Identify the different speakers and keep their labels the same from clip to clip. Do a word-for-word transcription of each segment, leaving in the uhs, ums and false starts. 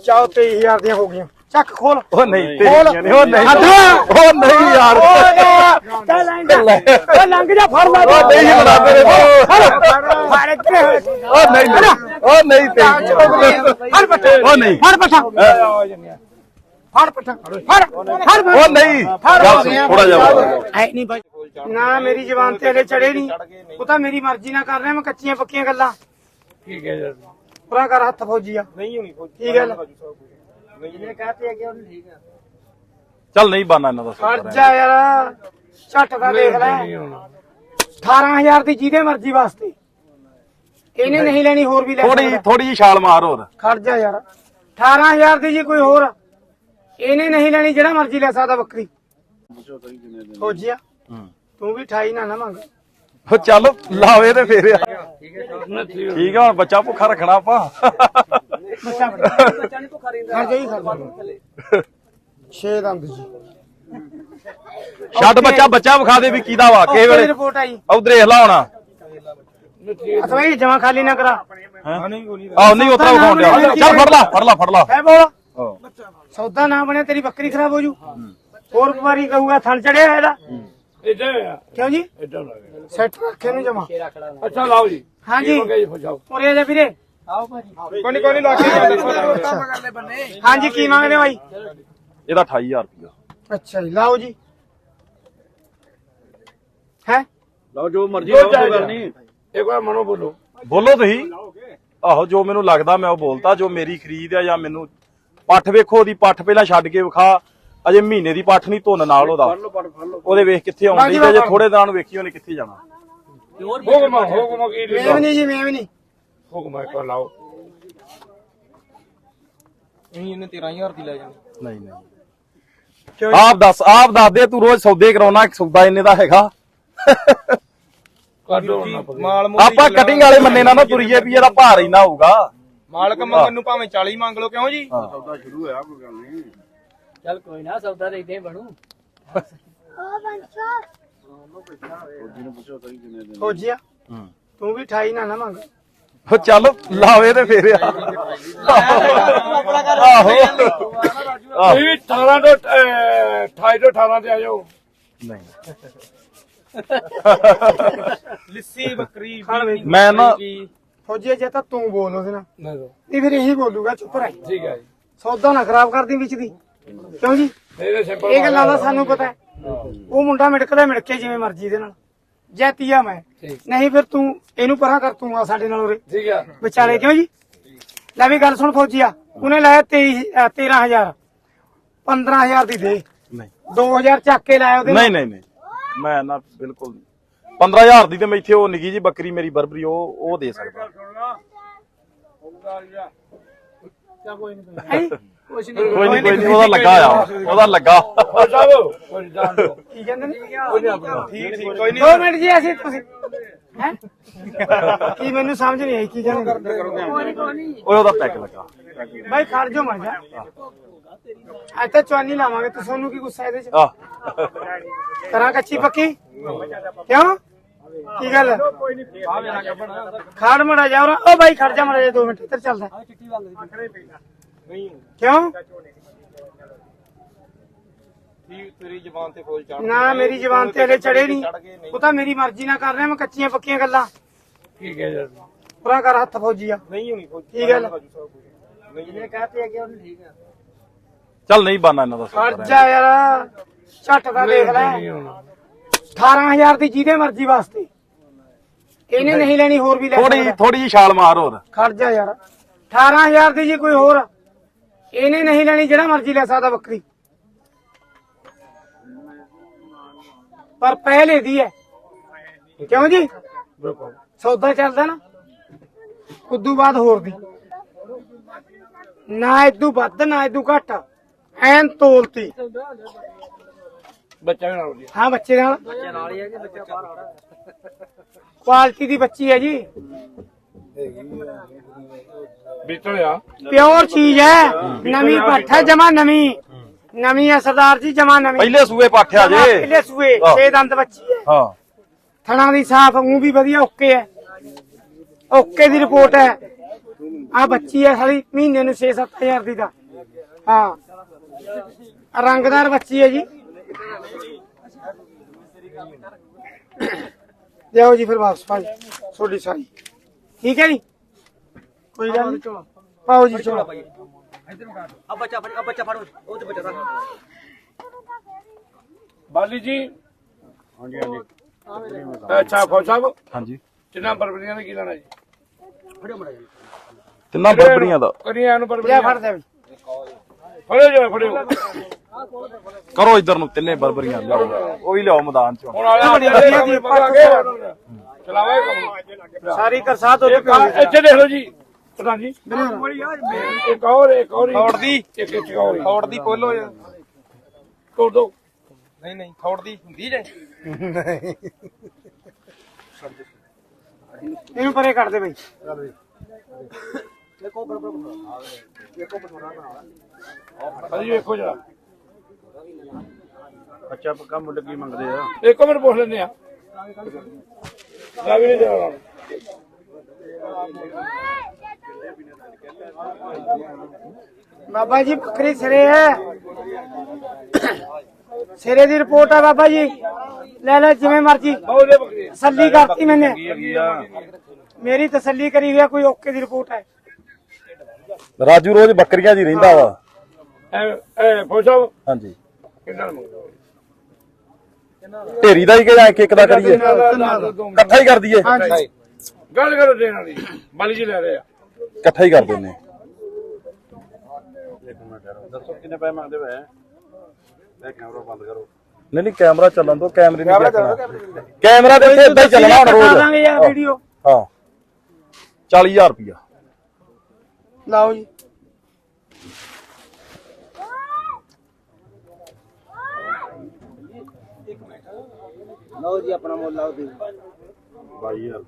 Speaker 1: ਬੱਚਾ ਉਹ ਤੇਈ ਹਜ਼ਾਰ ਦੀਆਂ ਹੋ ਗਈਆਂ ਚੱਕ ਖੋਲ
Speaker 2: ਉਹ ਨਹੀਂ
Speaker 1: ਖੋਲ
Speaker 2: ਉਹ ਨਹੀਂ ਉਹ ਨਹੀਂ ਯਾਰ
Speaker 1: ਚੱਲ ਲੰਘ ਜਾ ਫੜ ਲਾ
Speaker 2: ਉਹ ਨਹੀਂ ਬਣਾ ਤੇਰੇ
Speaker 1: ਫੜ ਇੱਥੇ
Speaker 2: ਉਹ ਨਹੀਂ ਉਹ ਨਹੀਂ ਤੇ
Speaker 1: ਫੜ ਪੱਠਾ
Speaker 2: ਉਹ ਨਹੀਂ
Speaker 1: ਫੜ ਪੱਠਾ ਫੜ ਪੱਠਾ ਫੜ ਫੜ
Speaker 2: ਉਹ ਨਹੀਂ ਥੋੜਾ ਜਿਹਾ
Speaker 1: ਐ ਨਹੀਂ ਬਾਈ ਨਾ ਮੇਰੀ ਜ਼ਬਾਨ ਤੇ ਹਲੇ ਚੜੇ ਨਹੀਂ ਉਹ ਤਾਂ ਮੇਰੀ ਮਰਜ਼ੀ ਨਾਲ ਕਰ ਰਿਹਾ ਮੈਂ ਕੱਚੀਆਂ ਪੱਕੀਆਂ ਗੱਲਾਂ
Speaker 3: ਠੀਕ ਹੈ ਯਾਰ
Speaker 1: ਪੂਰਾ ਕਰ ਹੱਥ ਫੌਜੀ ਆ
Speaker 3: ਨਹੀਂ ਹੋਣੀ ਫੌਜੀ
Speaker 1: ਕੀ ਗੱਲ
Speaker 3: ਜਿਹਨੇ ਕਹਤੇ ਅੱਗੇ ਉਹਨੂੰ ਠੀਕ ਆ
Speaker 2: ਚੱਲ ਨਹੀਂ ਬਾਨਾ ਇਹਨਾਂ ਦਾ
Speaker 1: ਖੜ ਜਾ ਯਾਰ ਝੱਟ ਦਾ ਦੇਖ ਲੈ ਅਠਾਰਾਂ ਹਜ਼ਾਰ ਦੀ ਜਿਹਦੇ ਮਰਜ਼ੀ ਵਾਸਤੇ ਇਹਨੇ ਨਹੀਂ ਲੈਣੀ ਹੋਰ ਵੀ ਲੈ
Speaker 2: ਥੋੜੀ ਥੋੜੀ ਜਿਹੀ ਛਾਲ ਮਾਰ ਹੋਰ
Speaker 1: ਖੜ ਜਾ ਯਾਰ ਅਠਾਰਾਂ ਹਜ਼ਾਰ ਦੀ ਜੀ ਕੋਈ ਹੋਰ ਇਹਨੇ ਨਹੀਂ ਲੈਣੀ ਜਿਹੜਾ ਮਰਜ਼ੀ ਲੈ ਸਕਦਾ ਬੱਕਰੀ ਫੌਜੀਆ ਤੂੰ ਵੀ ਅਠਾਈ ਨਾ ਨਾ ਮੰਗ
Speaker 2: ਉਹ ਚੱਲ ਲਾਵੇ ਤੇ ਫੇਰ ਠੀਕ ਆ ਹੁਣ ਬੱਚਾ ਭੁੱਖਾ ਰੱਖਣਾ ਆਪਾਂ
Speaker 1: ਬੱਚਾ ਬੱਚਾ ਨਹੀਂ ਭੁੱਖਾ ਰਹਿੰਦਾ ਖੜ ਜਾਈ ਖੜ ਛੇ ਦੰਦ ਜੀ
Speaker 2: ਛੱਡ ਬੱਚਾ ਬੱਚਾ ਵਿਖਾ ਦੇ ਵੀ ਕਿਹਦਾ ਵਾ ਕਿਸੇ ਵੇਲੇ
Speaker 1: ਰਿਪੋਰਟ ਆਈ
Speaker 2: ਉਧਰ ਦੇਖ ਲਾ ਹੋਣਾ
Speaker 1: ਅਥਵਾ ਇਹ ਜਮਾ ਖਾਲੀ ਨਾ ਕਰਾ
Speaker 2: ਆਹ ਨਹੀਂ ਉਤਰਾ ਵਿਖਾਉਣ ਡਿਆ ਚੱਲ ਫੜ ਲਾ ਫੜ ਲਾ ਫੜ ਲਾ
Speaker 1: ਹੈ ਬੋਲ ਸੌਦਾ ਨਾ ਬਣਿਆ ਤੇਰੀ ਬੱਕਰੀ ਖਰਾਬ ਹੋ ਜੂ ਹੋਰ ਵਾਰੀ ਕਹੂਗਾ ਥਣ ਚੜਿਆ ਇਹਦਾ
Speaker 3: ਇੱਧਰ ਆ
Speaker 1: ਕਿਉਂ ਜੀ
Speaker 3: ਇੱਧਰ ਲੱਗੇ
Speaker 1: ਸੈੱਟ ਰੱਖੇ ਨੂੰ ਜਮਾ
Speaker 3: ਅੱਛਾ ਲਾਓ ਜੀ
Speaker 1: ਹਾਂਜੀ ਉਰੇ ਜਾ ਵੀਰੇ ਆਓ ਭਾਜੀ ਕੋਈ ਕੋਈ ਲਾ ਕੇ ਹਾਂਜੀ ਕੀ ਮੰਗਦੇ ਬਾਈ
Speaker 2: ਇਹਦਾ ਅਠਾਈ ਹਜ਼ਾਰ ਰੁਪਇਆ
Speaker 1: ਅੱਛਾ ਜੀ ਲਾਓ ਜੀ ਹੈ
Speaker 3: ਲਾਓ ਜੋ ਮਰਜ਼ੀ ਲਾਓ ਕੋਈ ਗੱਲ ਨਹੀਂ ਇੱਕ ਵਾਰ ਮਨੋ ਬੋਲੋ
Speaker 2: ਬੋਲੋ ਤੁਸੀਂ ਆਹੋ ਜੋ ਮੈਨੂੰ ਲੱਗਦਾ ਮੈਂ ਉਹ ਬੋਲਤਾ ਜੋ ਮੇਰੀ ਖਰੀਦ ਆ ਜਾਂ ਮੈਨੂੰ ਪੱਠ ਵੇਖੋ ਉਹਦੀ ਪੱਠ ਪਹਿਲਾਂ ਛੱਡ ਕੇ ਵਿਖਾ ਅਜੇ ਮਹੀਨੇ ਦੀ ਪੱਠ ਨਹੀਂ ਧੁੰਨ ਨਾਲ ਉਹਦਾ ਉਹਦੇ ਵੇਖ ਕਿੱਥੇ ਆਉਂਦੀ ਤੇ ਅਜੇ ਥੋੜੇ ਦਿਨਾਂ ਨੂੰ ਵੇਖੀ ਉਹਨੇ ਕਿੱਥੇ ਜਾਣਾ
Speaker 3: ਹੁਕਮ ਹੁਕਮ ਕੀ
Speaker 1: ਮੈਂ ਵੀ ਨਹੀਂ ਜੀ ਮੈਂ ਵੀ ਨਹੀਂ
Speaker 3: ਹੁਕਮ ਇੱਕ ਵਾਰ ਲਾਓ
Speaker 1: ਨਹੀਂ ਇਹਨੇ ਤੇਰਾਂ ਹਜ਼ਾਰ ਦੀ ਲੈ ਜਾਣੀ
Speaker 2: ਨਹੀਂ ਨਹੀਂ ਆਪ ਦੱਸ ਆਪ ਦੱਸ ਦੇ ਤੂੰ ਰੋਜ਼ ਸੌਦੇ ਕਰਾਉਣਾ ਸੌਦਾ ਇੰਨੇ ਦਾ ਹੈਗਾ
Speaker 3: ਕਾਡੋ
Speaker 4: ਮਾਲ
Speaker 2: ਆਪਾਂ ਕਟਿੰਗ ਵਾਲੇ ਮੰਨੇ ਨਾ ਨਾ ਤੁਰੀਏ ਵੀ ਇਹਦਾ ਭਾਰ ਇੰਨਾ ਹੋਊਗਾ
Speaker 4: ਮਾਲਕ ਮੰਗਣ ਨੂੰ ਭਾਵੇਂ ਚਾਲੀ ਮੰਗ ਲਓ ਕਿਉਂ ਜੀ
Speaker 3: ਸੌਦਾ ਸ਼ੁਰੂ ਹੋਇਆ ਕੋਈ ਗੱਲ ਨਹੀਂ
Speaker 5: ਚੱਲ ਕੋਈ ਨਾ ਸੌਦਾ ਤੇ ਇਦਾਂ ਬਣੂ
Speaker 1: ਫੌਜੀਆ ਤੂੰ ਵੀ ਅਠਾਈ ਨਾ ਨਾ ਮੰਗ
Speaker 2: ਉਹ ਚੱਲ ਲਾਵੇ ਤੇ ਫੇਰ ਆਹੋ
Speaker 3: ਇਹ ਅਠਾਰਾਂ ਤੋਂ ਅਠਾਈ ਤੋਂ ਅਠਾਰਾਂ ਤੇ ਆ ਜਾਓ
Speaker 2: ਨਹੀਂ
Speaker 4: ਲਿੱਸੀ ਬੱਕਰੀ
Speaker 2: ਮੈਂ ਨਾ
Speaker 1: ਫੌਜੀਆ ਜੇ ਤਾਂ ਤੂੰ ਬੋਲ ਉਹਦੇ ਨਾਲ
Speaker 3: ਨਹੀਂ ਦੋ
Speaker 1: ਨਹੀਂ ਫਿਰ ਇਹੀ ਬੋਲੂਗਾ ਚੁੱਪ ਰਹਿ
Speaker 3: ਠੀਕ ਹੈ ਜੀ
Speaker 1: ਸੌਦਾ ਨਾ ਖਰਾਬ ਕਰਦੀ ਵਿੱਚ ਦੀ ਕਿਉਂ ਜੀ
Speaker 3: ਇਹਦੇ ਸਿੰਪਲ
Speaker 1: ਇਹ ਗੱਲਾਂ ਦਾ ਸਾਨੂੰ ਪਤਾ ਹੈ ਉਹ ਮੁੰਡਾ ਮਿੜਕਦਾ ਮਿੜਕੇ ਜਿਵੇਂ ਮਰਜ਼ੀ ਦੇ ਨਾਲ ਜੈਤੀਆ ਮੈਂ ਨਹੀਂ ਫਿਰ ਤੂੰ ਇਹਨੂੰ ਪਰਾਂ ਕਰ ਤੂੰ ਆ ਸਾਡੇ ਨਾਲ ਉਰੇ
Speaker 3: ਠੀਕ ਹੈ
Speaker 1: ਵਿਚਾਲੇ ਕਿਉਂ ਜੀ ਲੈ ਵੀ ਗੱਲ ਸੁਣ ਫੌਜੀਆ ਉਹਨੇ ਲਾਇਆ ਤੇਈ ਤੇਰਾਂ ਹਜ਼ਾਰ ਪੰਦਰਾਂ ਹਜ਼ਾਰ ਦੀ ਦੇ
Speaker 2: ਨਹੀਂ
Speaker 1: ਦੋ ਹਜ਼ਾਰ ਚੱਕ ਕੇ ਲਾਇਆ ਉਹਦੇ
Speaker 2: ਨਹੀਂ ਨਹੀਂ ਨਹੀਂ ਮੈਂ ਨਾ ਬਿਲਕੁਲ ਪੰਦਰਾਂ ਹਜ਼ਾਰ ਦੀ ਤੇ ਮੈਂ ਇੱਥੇ ਉਹ ਨਿੱਕੀ ਜੀ ਬੱਕਰੀ ਮੇਰੀ ਬਰਬਰੀ ਉਹ ਉਹ ਦੇ ਸਕਦਾ
Speaker 1: ਕੋਈ ਨਹੀਂ
Speaker 2: ਕੋਈ ਨਹੀਂ ਕੋਈ ਨਹੀਂ ਉਹਦਾ ਲੱਗਾ ਆ ਉਹਦਾ ਲੱਗਾ
Speaker 3: ਕੋਈ ਜਾਣ ਦੋ
Speaker 1: ਕੀ ਕਹਿੰਦੇ ਨੇ
Speaker 4: ਠੀਕ ਠੀਕ ਕੋਈ ਨਹੀਂ
Speaker 1: ਦੋ ਮਿੰਟ ਜੀ ਅਸੀਂ ਤੁਸੀਂ ਹੈ ਕੀ ਮੈਨੂੰ ਸਮਝ ਨਹੀਂ ਆਈ ਕੀ ਕਹਿੰਦੇ
Speaker 2: ਓਏ ਉਹਦਾ ਪੈਕ ਲੱਗਾ
Speaker 1: ਬਾਈ ਖੜ ਜਾ ਮਰ ਜਾ ਅੱਜ ਤਾਂ ਚਵਾਨੀ ਲਾਵਾਂਗੇ ਤੇ ਤੁਹਾਨੂੰ ਕੀ ਗੁੱਸਾ ਇਹਦੇ ਚ
Speaker 2: ਆ
Speaker 1: ਕਰਾਂ ਕੱਚੀ ਪੱਕੀ ਕਿਉਂ ਕੀ ਗੱਲ ਖੜ ਮੜਾ ਜਾ ਉਹ ਬਾਈ ਖੜ ਜਾ ਮੜਾ ਜਾ ਦੋ ਮਿੰਟ ਇੱਧਰ ਚੱਲਦਾ ਕਿਉਂ
Speaker 4: ਤੇਰੀ ਜ਼ਬਾਨ ਤੇ ਫੋਲ ਚੜ
Speaker 1: ਨਾ ਮੇਰੀ ਜ਼ਬਾਨ ਤੇ ਹਲੇ ਚੜੇ ਨਹੀਂ ਉਹ ਤਾਂ ਮੇਰੀ ਮਰਜ਼ੀ ਨਾਲ ਕਰ ਰਿਹਾ ਮੈਂ ਕੱਚੀਆਂ ਪੱਕੀਆਂ ਗੱਲਾਂ
Speaker 3: ਠੀਕ ਹੈ ਯਾਰ
Speaker 1: ਪੂਰਾ ਕਰ ਹੱਥ ਫੌਜੀ ਆ
Speaker 4: ਨਹੀਂ ਹੋਣੀ ਫੌਜੀ
Speaker 1: ਕੀ ਗੱਲ
Speaker 5: ਜਿਹਨੇ ਕਹਤੇ ਅੱਗੇ ਉਹਨੂੰ ਠੀਕ ਆ
Speaker 2: ਚੱਲ ਨਹੀਂ ਬਾਨਾ ਇਹਨਾਂ ਦਾ
Speaker 1: ਖੜ ਜਾ ਯਾਰ ਝੱਟ ਦਾ ਦੇਖ ਲੈ ਅਠਾਰਾਂ ਹਜ਼ਾਰ ਦੀ ਜਿਹਦੇ ਮਰਜ਼ੀ ਵਾਸਤੇ ਇਹਨੇ ਨਹੀਂ ਲੈਣੀ ਹੋਰ ਵੀ ਲੈ
Speaker 2: ਥੋੜੀ ਥੋੜੀ ਜਿਹੀ ਛਾਲ ਮਾਰ ਹੋਰ
Speaker 1: ਖੜ ਜਾ ਯਾਰ ਅਠਾਰਾਂ ਹਜ਼ਾਰ ਦੀ ਜੀ ਕੋਈ ਹੋਰ ਇਹਨੇ ਨਹੀਂ ਲੈਣੀ ਜਿਹੜਾ ਮਰਜ਼ੀ ਲੈ ਸਕਦਾ ਬੱਕਰੀ ਪਰ ਪਹਿਲੇ ਦੀ ਹੈ ਕਿਉਂ ਜੀ ਸੌਦਾ ਚੱਲਦਾ ਨਾ ਉਦੋਂ ਬਾਅਦ ਹੋਰ ਦੀ ਨਾ ਇਦੋਂ ਵੱਧ ਨਾ ਇਦੋਂ ਘੱਟ ਐਨ ਤੋਲਤੀ
Speaker 3: ਬੱਚਾ ਵੀ ਨਾਲ ਜੀ
Speaker 1: ਹਾਂ ਬੱਚੇ ਨਾਲ
Speaker 5: ਬੱਚੇ ਨਾਲ ਹੀ ਹੈ ਕਿ ਬੱਚਾ ਬਾਹਰ ਆ ਰਿਹਾ
Speaker 1: ਕੁਆਲਿਟੀ ਦੀ ਬੱਚੀ ਹੈ ਜੀ
Speaker 3: ਵਿਚੜਿਆ
Speaker 1: ਪਿਓਰ ਚੀਜ਼ ਹੈ ਨਵੀਂ ਪੱਠ ਹੈ ਜਮਾ ਨਵੀਂ ਨਵੀਂ ਹੈ ਸਰਦਾਰ ਜੀ ਜਮਾ ਨਵੀਂ
Speaker 2: ਪਹਿਲੇ ਸੂਏ ਪਾਠਿਆ ਜੇ
Speaker 1: ਪਹਿਲੇ ਸੂਏ ਛੇ ਦੰਦ ਬੱਚੀ ਹੈ
Speaker 2: ਹਾਂ
Speaker 1: ਥਣਾ ਦੀ ਸਾਫ ਮੂੰਹ ਵੀ ਵਧੀਆ ਓਕੇ ਹੈ ਓਕੇ ਦੀ ਰਿਪੋਰਟ ਹੈ ਆ ਬੱਚੀ ਆ ਸਾਲੀ ਮਹੀਨੇ ਨੂੰ ਛੇ ਸੱਤ ਹਜ਼ਾਰ ਦੀ ਦਾ। ਹਾਂ ਰੰਗਦਾਰ ਬੱਚੀ ਹੈ ਜੀ। ਲਿਆਓ ਜੀ ਫਿਰ ਵਾਪਸ ਭਾਈ ਤੁਹਾਡੀ ਸਾਈ ਠੀਕ ਹੈ ਜੀ ਕੋਈ ਗੱਲ ਨਹੀਂ ਪਾਓ ਜੀ ਚੋਲਾ
Speaker 5: अब बच्चा अब बच्चा फाड़ो वो तो बच्चा था
Speaker 3: ਬਾਲੀ ਜੀ ਹਾਂਜੀ ਹਾਂਜੀ ਅੱਛਾ ਫੌਜ ਸਾਹਿਬ
Speaker 2: ਹਾਂਜੀ
Speaker 3: ਕਿੰਨਾ ਬਰਬਰੀਆਂ ਦਾ ਕੀ ਲੈਣਾ ਜੀ
Speaker 5: फड़ो मरा
Speaker 2: ਤਿੰਨਾਂ ਬਰਬਰੀਆਂ ਦਾ
Speaker 3: ਕਰੀਆਂ ਨੂੰ
Speaker 1: ਲਿਆ
Speaker 3: ਬਰਬਰੀਆਂ
Speaker 1: ਫੜ ਦੇ
Speaker 3: ਫੜਿਓ ਜੋ ਫੜਿਓ
Speaker 2: ਕਰੋ ਇੱਧਰ ਨੂੰ ਤਿੰਨੇ ਬਰਬਰੀਆਂ ਲਿਆਓ ਉਹ ਵੀ ਲਿਆਓ ਮੈਦਾਨ ਚੋਂ
Speaker 3: ਹੁਣ ਆਲੇ
Speaker 1: ਬੜੀ ਵਧੀਆ ਦੀ
Speaker 3: ਪਕਾ ਕੇ ਚਲਾਵਾ ਕੰਮ
Speaker 1: ਸਾਰੀ ਕਰਸਾਤ ਹੋ
Speaker 3: ਇੱਕ ਆਹ ਇੱਥੇ ਦੇਖ ਲਓ ਜੀ ਪ੍ਰਧਾਨ ਜੀ ਇੱਕ ਹੋਰ ਇੱਕ ਹੋਰ
Speaker 4: ਥੋੜ ਦੀ
Speaker 3: ਇੱਕ ਇੱਕ ਹੋਰ
Speaker 4: ਥੋੜ ਦੀ ਪੋਲੋ ਯਾਰ
Speaker 3: ਤੋੜ ਦੋ
Speaker 4: ਨਹੀਂ ਨਹੀਂ ਥੋੜ ਦੀ ਹੁੰਦੀ ਜੇ
Speaker 1: ਇਹਨੂੰ ਪਰੇ ਕਰ ਦੇ ਬਈ
Speaker 3: ਹਾਂਜੀ ਵੇਖੋ ਜਰਾ
Speaker 2: ਅੱਛਾ ਪੱਕਾ ਮੁੱਲ ਕੀ ਮੰਗਦੇ ਆ
Speaker 3: ਇੱਕ ਮਿੰਟ ਪੁੱਛ ਲੈਂਦੇ ਆ ਵੀ ਨਹੀਂ ਦੇਣਾ
Speaker 1: ਬਾਬਾ ਜੀ ਬੱਕਰੀ ਸਿਰੇ ਹੈ ਸਿਰੇ ਦੀ ਰਿਪੋਰਟ ਹੈ ਬਾਬਾ ਜੀ ਲੈ ਲੈ ਜਿਵੇਂ ਮਰਜੀ
Speaker 3: ਬਹੁਤ ਦੇ ਬੱਕਰੀ
Speaker 1: ਤਸੱਲੀ ਕਰਤੀ ਮੈਨੇ
Speaker 2: ਹੈਗੀ ਆ
Speaker 1: ਮੇਰੀ ਤਸੱਲੀ ਕਰੀ ਹੋਈ ਹੈ ਕੋਈ ਓਕੇ ਦੀ ਰਿਪੋਰਟ ਹੈ
Speaker 2: ਰਾਜੂ ਰੋਜ਼ ਬੱਕਰੀਆਂ ਜੀ ਰਹਿੰਦਾ ਵਾ
Speaker 3: ਐ ਐ ਫੌਜ ਸਾਹਿਬ
Speaker 2: ਹਾਂਜੀ
Speaker 3: ਕਿੰਨਾ ਮੰਗਦੇ
Speaker 2: ਢੇਰੀ ਦਾ ਹੀ ਕਿ ਜਾਂ ਇੱਕ ਇੱਕ ਦਾ ਕਰੀਏ ਇਕੱਠਾ ਹੀ ਕਰ ਦਈਏ
Speaker 1: ਹਾਂਜੀ
Speaker 3: ਗੱਲ ਕਰੋ ਦੇਣ ਵਾਲੀ ਬਾਲੀ ਜੀ ਲੈ ਰਹੇ ਆ
Speaker 2: ਇਕੱਠਾ ਹੀ ਕਰ ਦਿੰਨੇ
Speaker 6: ਦੱਸੋ ਕਿੰਨੇ ਪੈਸੇ ਮੰਗਦੇ ਵੇ ਇਹ ਕੈਮਰਾ ਬੰਦ ਕਰੋ
Speaker 2: ਨਹੀਂ ਨਹੀਂ ਕੈਮਰਾ ਚੱਲਣ ਦੋ ਕੈਮਰੇ ਨਹੀਂ ਦੇਖਣਾ ਕੈਮਰਾ ਤੇ ਇੱਥੇ ਏਦਾਂ ਹੀ ਚੱਲਣਾ ਹੁਣ
Speaker 1: ਦਿਖਾ
Speaker 2: ਰੋਜ਼
Speaker 1: ਦਾਂਗੇ ਯਾਰ ਵੀਡੀਓ
Speaker 2: ਹਾਂ ਚਾਲੀ ਹਜ਼ਾਰ ਰੁਪਇਆ
Speaker 1: ਲਾਓ ਜੀ
Speaker 5: लो जी अपना मोल लाओ दी
Speaker 6: ਬਾਈ ਹਜ਼ਾਰ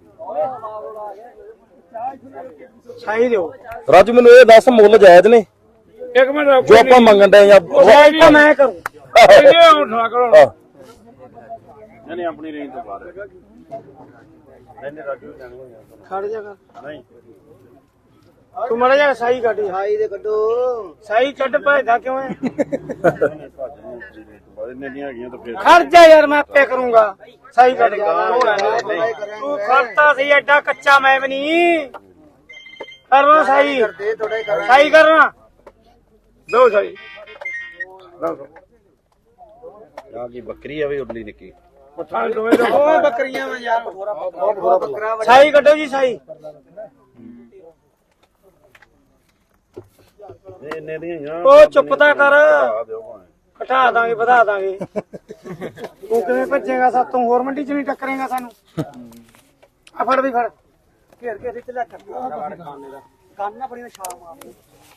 Speaker 1: ਛਾਈ ਦਿਓ
Speaker 2: ਰਾਜੂ ਮੈਨੂੰ ਇਹ ਦੱਸ ਮੁੱਲ ਜਾਇਜ਼ ਨੇ
Speaker 3: ਇੱਕ ਮਿੰਟ
Speaker 2: ਜੋ ਆਪਾਂ ਮੰਗਣ ਦੇ ਜਾਂ
Speaker 1: ਛਾਈ ਤਾਂ ਮੈਂ ਕਰੂੰ
Speaker 3: ਇਹ ਹੁਣ ਨਾ ਕਰੋ
Speaker 2: ਹਾਂ।
Speaker 6: ਨਹੀਂ ਨਹੀਂ ਆਪਣੀ ਰੇਂਜ ਤੋਂ ਬਾਹਰ ਹੈ ਨਹੀਂ ਨਹੀਂ ਰਾਜੂ ਜਾਣੀ ਹੋਈ
Speaker 1: ਖੜ ਜਾ ਕਰ
Speaker 6: ਨਹੀਂ
Speaker 1: ਤੂੰ ਮੜਾ ਜਾ ਸਾਈ ਕੱਢ ਜਾ।
Speaker 5: भाई दे कड्डो
Speaker 1: ਸਾਈ ਕੱਢ ਭਜਦਾ ਕਿਉਂ ਹੈ
Speaker 6: ਇੰਨੇ ਦੀਆਂ ਹੈਗੀਆਂ ਤਾਂ ਫਿਰ
Speaker 1: ਖੜ ਜਾ ਯਾਰ ਮੈਂ ਆਪੇ ਕਰੂੰਗਾ ਸਾਈ ਕੱਢ ਤੂੰ ਖੜਤਾ ਸੀ ਐਡਾ ਕੱਚਾ ਮੈਂ ਵੀ ਨਹੀਂ ਕਰਨਾ ਸਾਈ ਸਾਈ ਕਰਨਾ
Speaker 3: ਦੋ ਸਹੀ ਦੋ
Speaker 6: ਆ ਕੀ ਬੱਕਰੀ ਆ ਵੀ ਉਰਲੀ ਨਿੱਕੀ
Speaker 3: ਪੱਠਾ ਦੋਵੇਂ ਦਾ
Speaker 5: ओ बकरियां में यार बहुत बकरा
Speaker 1: ਸਾਈ ਕੱਢੋ ਜੀ ਸਾਈ
Speaker 6: ਇਹ ਇੰਨੇ ਦੀਆਂ ਹੈਗੀਆਂ
Speaker 1: ਉਹ ਚੁੱਪ ਤਾਂ ਕਰ
Speaker 6: ਆ ਦਿਓ ਭਾਵੇਂ
Speaker 1: ਘਟਾ ਦਾਂਗੇ ਵਧਾ ਦਾਂਗੇ ਤੂੰ ਕਿਵੇਂ ਭੱਜੇਗਾ ਸਾਤੋਂ ਹੋਰ ਮੰਡੀ ਚ ਨਹੀਂ ਟੱਕਰੇਗਾ ਸਾਨੂੰ ਆ ਫੜ ਵੀ ਫੜ
Speaker 5: घेर के चला कान ना पड़ी ना छाल मार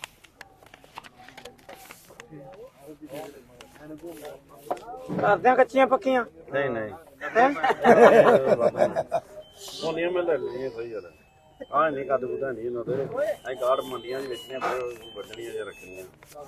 Speaker 1: ਕਰਦੇ ਆ ਕੱਚੀਆਂ ਪੱਕੀਆਂ
Speaker 6: ਨਹੀਂ ਨਹੀਂ
Speaker 1: ਹੈ
Speaker 6: ਸੋਨੀਆਂ ਮੈਂ ਲੈ ਲਈਆਂ ਸਹੀ ਗੱਲ ਆ ਨਹੀਂ ਕੱਦ ਬੁੱਧਾ ਨਹੀਂ ਇਹਨਾਂ ਦੇ ਐ ਗਾੜ ਮੰਡੀਆਂ ਦੇ ਵੇਚਣੀਆਂ ਪਰ ਵੱਢਣੀਆਂ ਜਾਂ ਰੱਖਣੀਆਂ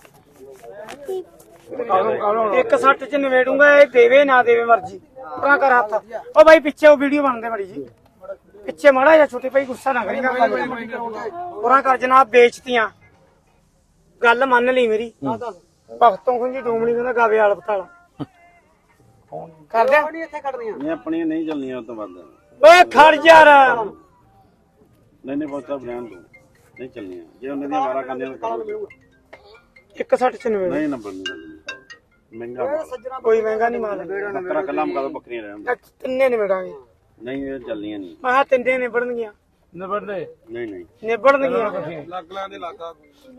Speaker 1: ਇੱਕ ਸੱਟ ਚ ਨਿਵੇੜੂੰਗਾ ਇਹ ਦੇਵੇ ਨਾ ਦੇਵੇ ਮਰਜੀ ਪਰਾਂ ਕਰ ਹੱਥ ਉਹ ਬਾਈ ਪਿੱਛੇ ਉਹ ਵੀਡੀਓ ਬਣਦੇ ਬੜੀ ਜੀ ਪਿੱਛੇ ਮਾੜਾ ਜਾਂ ਛੋਟੇ ਭਾਈ ਗੁੱਸਾ ਨਾ ਕਰੀਗਾ ਪਰਾਂ ਕਰ ਜਨਾਬ ਵੇਚਤੀਆਂ ਗੱਲ ਮੰਨ ਲਈ ਮੇਰੀ ਭਗਤੋਂ ਖੁੰਜੀ ਡੂਮਣੀ ਕਹਿੰਦਾ ਗਾਵੇ ਵਾਲ ਪਤਾਲਾ ਕਰਦੇ
Speaker 5: नहीं इथे कट दियां
Speaker 6: ਨਹੀਂ ਆਪਣੀਆਂ ਨਹੀਂ ਚੱਲਣੀਆਂ ਉਹ ਤੋਂ ਵੱਧ
Speaker 1: ਓਏ ਖੜ ਯਾਰ
Speaker 6: ਨਹੀਂ ਨਹੀਂ ਬਹੁਤ ਬ੍ਰਾਂਡ ਤੋਂ ਨਹੀਂ ਚੱਲਣੀਆਂ ਜੇ ਉਹਨਾਂ ਦੀਆਂ ਵਾਰਾ ਕਰਨੀਆਂ ਤਾਂ ਕਰੋ
Speaker 1: ਇੱਕ ਸੱਟ ਚ ਨਿਵੇੜ
Speaker 6: ਨਹੀਂ ਨੰਬਰ ਨਹੀਂ ਚੱਲਣੀ ਮਹਿੰਗਾ ਮਾਲ।
Speaker 1: ਕੋਈ ਮਹਿੰਗਾ ਨਹੀਂ ਮਾਲ
Speaker 6: ਬੱਕਰਾ ਕੱਲਾ ਮਕਾ ਬੱਕਰੀਆਂ ਰਹਿਣ ਦਿਓ।
Speaker 1: ਤਿੰਨੇ ਨਿਬੜਾਂਗੇ
Speaker 6: ਨਹੀਂ ਇਹ ਚੱਲਣੀਆਂ ਨਹੀਂ
Speaker 1: ਮੈਂ ਕਿਹਾ ਤਿੰਨੇ ਨਿਬੜਨਗੀਆਂ
Speaker 3: ਨਿਬੜਦੇ
Speaker 6: ਨਹੀਂ ਨਹੀਂ
Speaker 1: ਨਿਬੜਨਗੀਆਂ
Speaker 4: ਲੱਗਲਾਂ ਦੇ ਲਾਗਾ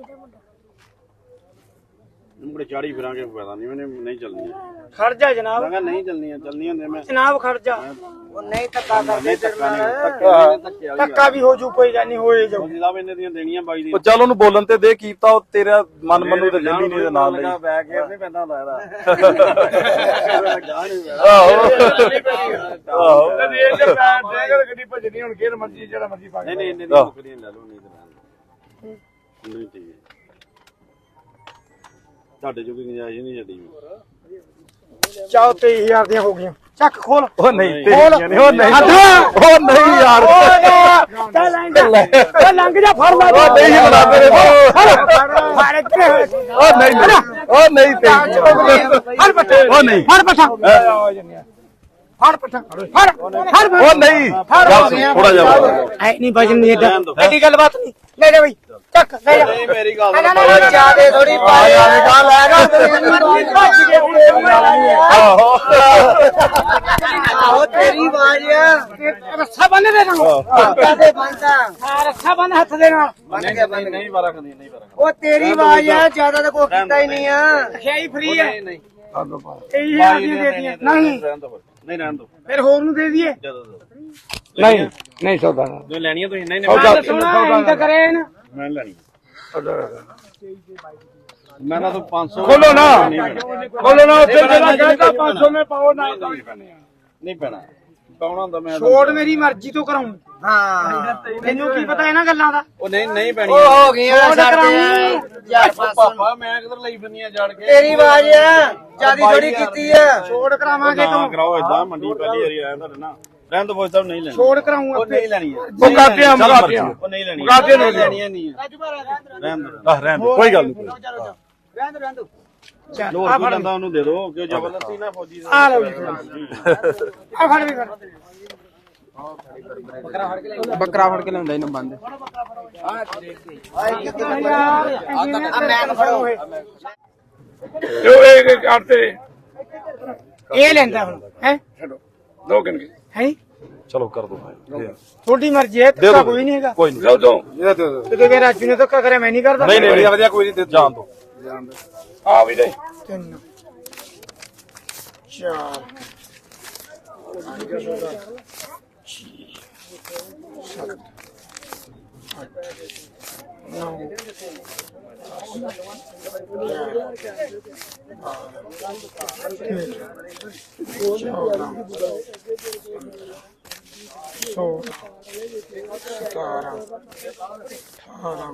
Speaker 6: ਮੁੰਡੇ ਚਾੜੀ ਫਿਰਾਂਗੇ ਫਾਇਦਾ ਨਹੀਂ ਮੈਨੇ ਨਹੀਂ ਚੱਲਣੀਆਂ
Speaker 1: ਖੜ ਜਾ ਜਨਾਬ
Speaker 6: ਮੈਂ ਕਿਹਾ ਨਹੀਂ ਚੱਲਣੀਆਂ ਚੱਲਣੀਆਂ ਹੁੰਦੇ ਮੈਂ
Speaker 1: ਜਨਾਬ ਖੜ ਜਾ
Speaker 5: वो नहीं धक्का कर
Speaker 6: ਨਹੀਂ ਧੱਕਾ ਨਹੀਂ
Speaker 1: ਧੱਕਾ ਵੀ ਹੋ ਜੂ ਕੋਈ ਗੱਲ ਨਹੀਂ ਹੋਏ ਜਾਊ
Speaker 6: ਜਨਾਬ ਇਹਨੇ ਦੀਆਂ ਦੇਣੀਆਂ ਬਾਈ ਦੀ
Speaker 2: ਉਹ ਚੱਲ ਉਹਨੂੰ ਬੋਲਣ ਤੇ ਦੇ ਕੀਪਤਾ ਉਹ ਤੇਰਾ ਮਨ ਮੰਨੂ ਤੇ ਲੈਣੀ ਨਹੀਂ ਦੇ ਨਾਲ ਲਈ
Speaker 6: ਬੈਗ ਗੇਅਰ ਨਹੀਂ ਪੈਂਦਾ ਹੁੰਦਾ ਇਹਦਾ
Speaker 2: ਆਹੋ ਆਹੋ
Speaker 3: ਕਦੀ ਇਹ ਜੇ ਪੈਰ ਦੇਗਾ ਗੱਡੀ ਭੱਜਣੀ ਹੁਣ ਕਿਹਨ ਮਰਜੀ ਜਿਹੜਾ ਮਰਜੀ ਪਾ
Speaker 6: ਨਹੀਂ ਨਹੀਂ ਇੰਨੇ ਦੀਆਂ ਬੱਕਰੀਆਂ ਲੈ ਲਓ ਨਹੀਂ ਤਾਂ ਨਹੀਂ ਠੀਕ ਹੈ ਤੁਹਾਡੇ ਜੋ ਕੋਈ ਗੁੰਜਾਇਸ਼ ਨਹੀਂ ਛੱਡੀ
Speaker 1: ਚਾਓ ਤੇਈ ਹਜ਼ਾਰ ਦੀਆਂ ਹੋ ਗਈਆਂ ਚੱਕ ਖੋਲ
Speaker 2: ਉਹ ਨਹੀਂ
Speaker 1: ਖੋਲ।
Speaker 2: ਤੇਰੀਆਂ ਨੇ ਉਹ ਨਹੀਂ
Speaker 1: ਹੱਥ।
Speaker 2: ਉਹ ਨਹੀਂ ਯਾਰ
Speaker 1: ਚੱਲ ਲੰਘ ਲੰਘ ਜਾ ਫੜ ਲੈ
Speaker 2: ਉਹ ਨਹੀਂ ਬਣਾ ਤੇਰੇ
Speaker 1: ਫੜ ਇੱਥੇ
Speaker 2: ਉਹ ਨਹੀਂ ਉਹ ਨਹੀਂ ਤੇਰੀ
Speaker 1: ਫੜ ਪੱਠਾ
Speaker 2: ਉਹ ਨਹੀਂ
Speaker 1: ਫੜ ਪੱਠਾ ਫੜ ਪੱਠਾ ਫੜ ਫੜ
Speaker 2: ਉਹ ਨਹੀਂ ਥੋੜਾ ਜਿਹਾ
Speaker 1: ਐ ਨਹੀਂ ਵਜਨ ਨਹੀਂ ਏਡਾ ਐਡੀ ਗੱਲ ਬਾਤ ਨਹੀਂ ਲੈ ਜਾ ਬਈ ਚੱਕ ਲੈ ਜਾ
Speaker 6: ਨਹੀਂ ਮੇਰੀ ਗੱਲ
Speaker 1: ਨਾ ਨਾ ਨਾ ਜਿਆਦੇ ਥੋੜੀ ਪਾਇਆ ਲੈ ਗਾ
Speaker 2: ਆਹੋ
Speaker 5: ਆਹੋ ਤੇਰੀ ਆਵਾਜ਼ ਆ
Speaker 1: ਰੱਸਾ ਬੰਨ ਦੇ ਤੈਨੂੰ
Speaker 5: ਕਾਦੇ ਬੰਦਾ
Speaker 1: ਹਾਂ ਰੱਸਾ ਬੰਨ ਹੱਥ ਦੇ ਨਾਲ
Speaker 5: ਬੰਨ ਗਿਆ ਬੰਨ
Speaker 6: ਨਹੀਂ ਵਾਰਾ ਖੰਦੀ ਨਹੀਂ ਵਾਰਾ
Speaker 5: ਉਹ ਤੇਰੀ ਆਵਾਜ਼ ਆ ਜਿਆਦਾ ਤਾਂ ਕੋਈ ਕੀਤਾ ਹੀ ਨਹੀਂ ਆ
Speaker 1: ਖਿਆਈ ਫਰੀ ਹੈ
Speaker 6: ਨਹੀਂ
Speaker 1: ਇਹੀ ਆ ਦੇ ਦਿੱਤੀਆਂ ਨਹੀਂ
Speaker 6: ਰਹਿਣ ਦੋ ਨਹੀਂ ਰਹਿਣ ਦੋ
Speaker 1: ਫਿਰ ਹੋਰ ਨੂੰ ਦੇ ਦਈਏ
Speaker 6: ਜਦੋਂ
Speaker 3: ਨਹੀਂ ਨਹੀਂ ਸੌਦਾ
Speaker 6: ਜੋ ਲੈਣੀਆਂ ਤੁਸੀਂ ਨਹੀਂ
Speaker 1: ਗੱਲ ਸੁਣਾ ਇੰਦ ਕਰੇ ਨਾ
Speaker 6: ਮੈਂ ਲੈਣੀ ਮੈਂ ਤਾਂ ਪੰਜ ਸੌ
Speaker 3: ਖੋਲੋ ਨਾ ਖੋਲੋ ਨਾ ਉੱਥੇ ਜਿਹੜਾ ਕਹਿੰਦਾ ਪੰਜ ਸੌ ਨੇ ਪਾਓ ਨਾ
Speaker 6: ਨਹੀਂ ਪੈਣਾ ਪਾਉਣਾ ਹੁੰਦਾ ਮੈਂ
Speaker 1: ਛੋੜ ਮੇਰੀ ਮਰਜ਼ੀ ਤੋਂ ਕਰਾਉਂ
Speaker 5: ਹਾਂ
Speaker 1: ਤੈਨੂੰ ਕੀ ਪਤਾ ਇਹਨਾਂ ਗੱਲਾਂ ਦਾ
Speaker 6: ਉਹ ਨਹੀਂ ਨਹੀਂ ਪੈਣੀ
Speaker 5: ਉਹ ਹੋ ਗਈਆਂ
Speaker 1: ਛੋੜ
Speaker 5: ਸਾਡੇ
Speaker 1: ਕਰਾਉਂ
Speaker 5: ਯਾਰ ਪਾਸੋਂ
Speaker 6: ਪਾਪਾ ਮੈਂ ਕਿਧਰ ਲਈ ਫਿਰਨੀਆਂ ਜੜ ਕੇ
Speaker 5: ਤੇਰੀ ਆਵਾਜ਼ ਆ ਜਿਆਦੀ ਥੋੜੀ ਕੀਤੀ ਆ
Speaker 1: ਛੋੜ ਕਰਾਵਾਂਗੇ
Speaker 6: ਨਾ
Speaker 1: ਤੂੰ
Speaker 6: ਕਰਾਓ ਇਦਾਂ ਮੰਡੀ ਪਹਿਲੀ ਵਾਰੀ ਆਇਆ ਤੁਹਾਡੇ ਨਾਲ ਰਹਿਣ ਦੋ ਫੌਜ ਨਹੀਂ ਲੈਣੀ
Speaker 1: ਛੋੜ ਕਰਾਉਂ
Speaker 6: ਉਹ ਨਹੀਂ ਲੈਣੀ ਹੈ
Speaker 3: ਉਹ ਕਾਤਿਆਂ ਮਗਾਤਿਆਂ
Speaker 6: ਉਹ ਨਹੀਂ ਲੈਣੀ
Speaker 3: ਕਾਤਿਆਂ ਨਹੀਂ
Speaker 6: ਲੈਣੀਆਂ ਨਹੀਂ ਹੈ ਰਹਿਣ ਦੋ
Speaker 2: ਆਹ ਰਹਿਣ ਦੇ ਕੋਈ ਗੱਲ ਨਹੀਂ
Speaker 5: ਰਹਿੰਦ ਰਹਿੰਦ
Speaker 1: ਚੱਲ
Speaker 6: ਲੋਰ
Speaker 1: ਆ
Speaker 6: ਕੀ
Speaker 1: ਫੜ
Speaker 6: ਲੈਂਦਾ ਉਹਨੂੰ ਦੇ ਦਿਓ ਕਿਉਂ ਜ਼ਬਰਦਸਤੀ ਨਾ ਫੌਜੀ
Speaker 1: ਆ ਲਓ ਜੀ ਆ ਫੜ ਵੀ ਫੜ
Speaker 4: ਬੱਕਰਾ ਫੜ ਕੇ ਲਿਆਉਂਦਾ ਇਹਨੂੰ ਬੰਦ
Speaker 1: ਯਾਰ ਆ ਮੈਂ ਫੜੋ ਇਹ
Speaker 3: ਜੋ ਇਹ ਕਰਤੇ
Speaker 1: ਇਹ ਲੈਂਦਾ ਹੁਣ ਹੈ
Speaker 3: ਦੋ ਕਿਨ ਕੇ
Speaker 1: ਹੈ
Speaker 2: ਚਲੋ ਕਰ ਦੋ
Speaker 1: ਤੁਹਾਡੀ ਮਰਜ਼ੀ ਹੈ ਧੱਕਾ ਕੋਈ ਨਹੀਂ ਹੈਗਾ
Speaker 2: ਕੋਈ ਨਹੀਂ
Speaker 3: ਲਓ ਦੋ
Speaker 1: ਤੇ ਕਿ ਰਾਜੂ ਨੇ ਧੱਕਾ ਕਰਿਆ ਮੈਂ ਨਹੀਂ ਕਰਦਾ
Speaker 2: ਨਹੀਂ ਨਹੀਂ ਵਧੀਆ ਕੋਈ ਨਹੀਂ ਜਾਣ ਦੋ
Speaker 3: ਆ ਵੀ ਦੇ
Speaker 1: ਤਿੰਨ ਚਾਰ सतारह अठारह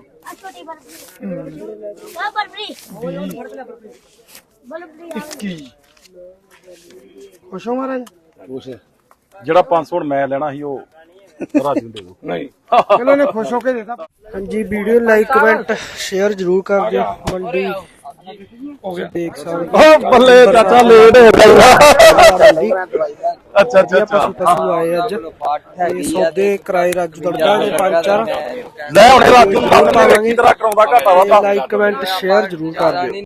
Speaker 1: इक्कीस खुश हो महाराज
Speaker 2: ਜਿਹੜਾ ਪੰਜ ਸੌ ਮੈਂ ਲੈਣਾ ਸੀ ਉਹ ਰਾਜੂ ਨੂੰ ਦੇ ਦਿਓ
Speaker 3: ਨਹੀਂ
Speaker 1: चलो ने खुश होके देता
Speaker 5: हाँ जी वीडियो लाइक कमेंट शेयर जरूर कर दियो मंडी देख सकते
Speaker 2: ਓ ਬੱਲੇ ਚਾਚਾ ਲੇਟ ਹੋ ਗਿਆ ਅੱਛਾ ਅੱਛਾ
Speaker 5: पशु
Speaker 2: ਅੱਛਾ
Speaker 5: पशु आए अज ते सौदे कराए राजू दड़का ने पांच चार
Speaker 2: ਲੈ ਹੁਣ ਰਾਜੂ ਨੂੰ ਕੀ ਤਰ੍ਹਾਂ ਕਰਾਉਂਦਾ ਘਾਟਾ ਵਾ
Speaker 5: लाइक कमेंट शेयर जरूर कर दियो।